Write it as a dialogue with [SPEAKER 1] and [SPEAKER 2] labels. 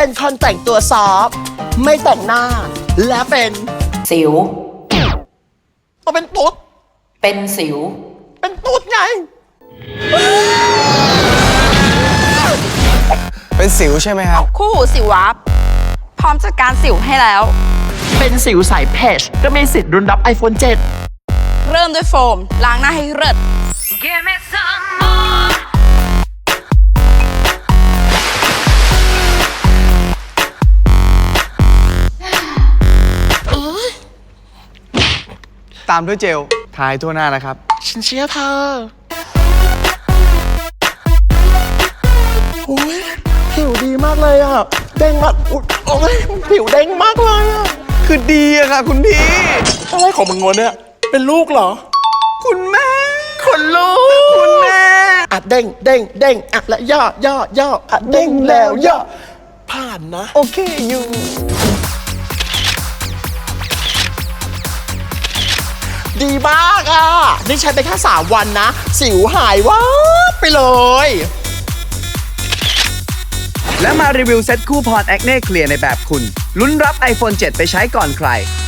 [SPEAKER 1] เป็นคนแต่งตัวซอฟต์ไม่แต่งหน้า และเป็น
[SPEAKER 2] สิว
[SPEAKER 1] เป็นตุ๊ด
[SPEAKER 2] เป็นสิว
[SPEAKER 1] เป็นตุ๊ดไง
[SPEAKER 3] เป็นสิวใช่ไหมครับ
[SPEAKER 4] คู่หูสิววับพร้อมจัดการสิวให้แล้ว
[SPEAKER 1] เป็นสิวสายเพจก็มีสิทธิ์รุนรับ iPhone 7
[SPEAKER 4] เริ่มด้วยโฟมล้างหน้าให้เลิศ
[SPEAKER 5] Give me some more.
[SPEAKER 3] ตามด้วยเจลทายทั่วหน้านะครับ
[SPEAKER 1] ฉันเชื่อเธอโอ้ยผิวดีมากเลยอ่ะ เด้งมากอุ๊ยโอ้ยผิวเด้งมากเลยอ่ะ
[SPEAKER 3] คือดีอะค่ะคุณพี่
[SPEAKER 1] อะไรของมึงวะเนี่ย เป็นลูกเหรอ
[SPEAKER 3] คุณแม่
[SPEAKER 1] คนลูก
[SPEAKER 3] คุณแม่
[SPEAKER 1] อ่ะเด้งเด้งเด้งอ่ะและย่อย่อย่ออ่ะเด้งแล้วย่อผ่านนะ
[SPEAKER 3] โอเคอยู่
[SPEAKER 1] ดีมากอ่ะ นี่ใช้ไปแค่3 วันนะ สิวหายวับไปเลย
[SPEAKER 6] และมารีวิวเซ็ตคู่พรแอคเน่เคลียร์ในแบบคุณลุ้นรับ iPhone 7 ไปใช้ก่อนใคร